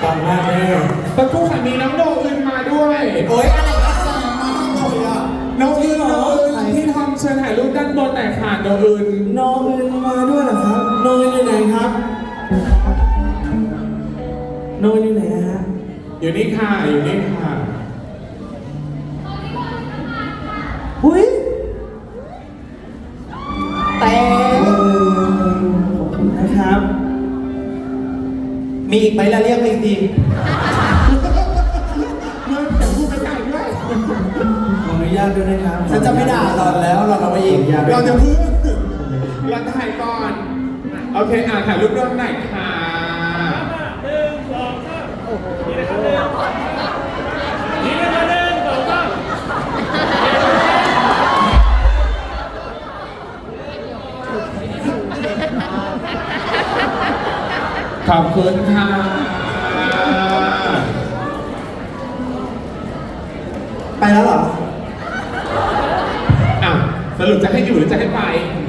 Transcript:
ปังมากแน่ประตูขันนี้น้องโดอึนมาด้วยโอ๊ยอะไรกันจ้ามาเลยอ่ะน้องอึนที่ทำเชิญถ่ายรูปด้านบนแต่ขาดโดอึนน้องอึนมาด้วยเหรอครับน้องอึนอยู่ไหนครับน้องอึนอยู่ไหนฮะอยู่นี่ค่ะอยู่นี่ค่ะหุ้ยแต่ขอบคุณนะครับมีอีกไหมล่ะเรียกไปอีกทีเมื่อแต่พูดไปไกลด้วยขออนุญาตด้วยนะครับฉันจะไม่ด่าหล่อนแล้วหล่อนเอาไปอีกเราจะพึ่งเราถ่ายก่อนโอเคถ่ายรูปร่วมหน่อยค่ะขอบคุณค่ะไปแล้วเหรอสรุปจะให้อยู่หรือจะให้ไป